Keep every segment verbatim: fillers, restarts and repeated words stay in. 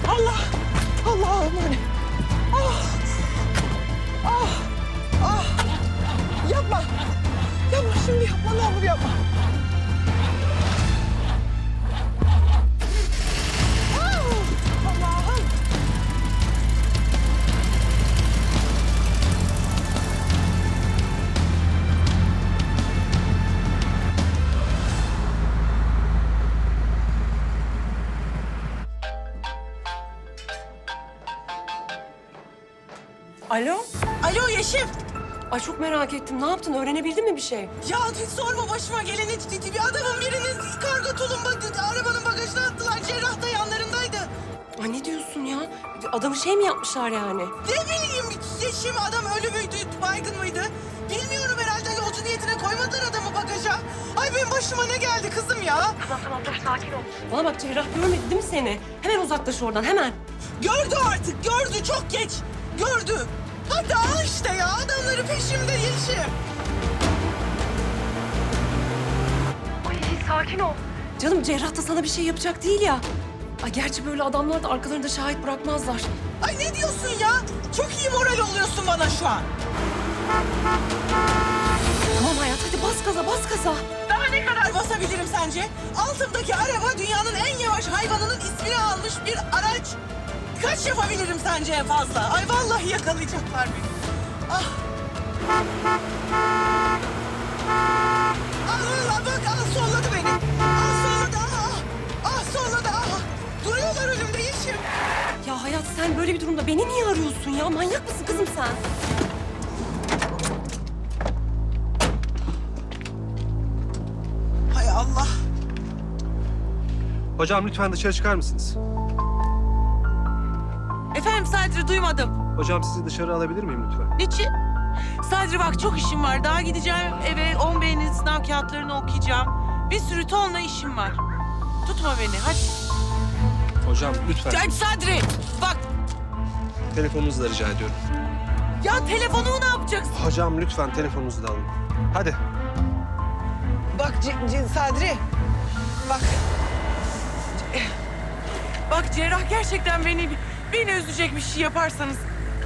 Allah! Allah'ım hani. Ah! Ah! Ah! Yapma! Yapma şimdi yapma, ne olur yapma. Ah! Allah'ım! Alo? Alo Yeşim! Ay çok merak ettim. Ne yaptın? Öğrenebildin mi bir şey? Ya hiç sorma başıma geleni. Bir adamın birinin kargo tulumba arabanın bagajına attılar. Cerrah da yanlarındaydı. Ay ne diyorsun ya? Adamı şey mi yapmışlar yani? Ne bileyim Yeşim, adam ölü müydü, baygın mıydı? Bilmiyorum, herhalde yolcu niyetine koymadılar adamı bagaja. Ay benim başıma ne geldi kızım ya? Tamam tamam dur sakin ol. Bana bak Cerrah görmedi değil mi seni? Hemen uzaklaş oradan hemen. Gördü artık, gördü, çok geç. Gördü. Hadi al işte ya, adamları peşimde Yeşim. Ay sakin ol. Canım Cerrah da sana bir şey yapacak değil ya. Ay gerçi böyle adamlar da arkalarında şahit bırakmazlar. Ay ne diyorsun ya? Çok iyi moral oluyorsun bana şu an. Tamam hayat hadi bas gaza bas gaza. Daha ne kadar basabilirim sence? Altımdaki araba dünyanın en yavaş hayvanının ismini almış bir araç. Kaç yapabilirim sence en fazla? Ay vallahi yakalayacaklar beni. Ah. Allah bak, al solladı beni. Al solladı, ah. Ah solladı, ah. Duruyorlar önümde Yeşim. Ya hayat sen böyle bir durumda beni niye arıyorsun ya? Manyak mısın kızım sen? Hay Allah. Hocam lütfen dışarı çıkar mısınız? Efendim Sadri, duymadım. Hocam sizi dışarı alabilir miyim lütfen? Niçin? Sadri bak çok işim var. Daha gideceğim eve on B'nin sınav kağıtlarını okuyacağım. Bir sürü tonla işim var. Tutma beni hadi. Hocam lütfen. Hadi Sadri bak. Telefonunuzu da rica ediyorum. Ya telefonumu ne yapacaksın? Hocam lütfen telefonunuzu da alın. Hadi. Bak C- C- Sadri. Bak. Bak Cerrah gerçekten beni beni üzecek bir şey yaparsanız.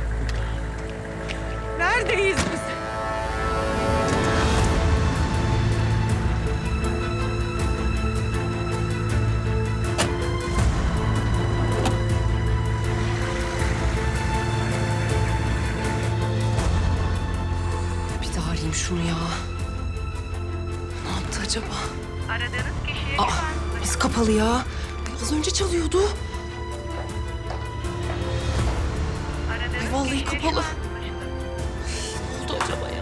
Neredeyiz biz? Bir daha arayayım şunu ya. Ne yaptı acaba? Aradığınız kişiye Aa, şu an nasıl kapalı ya? Ay, az önce çalıyordu. aradığınız Ay, vallahi kişiye şu kapalı. an ulaşıldı. Ne oldu acaba ya?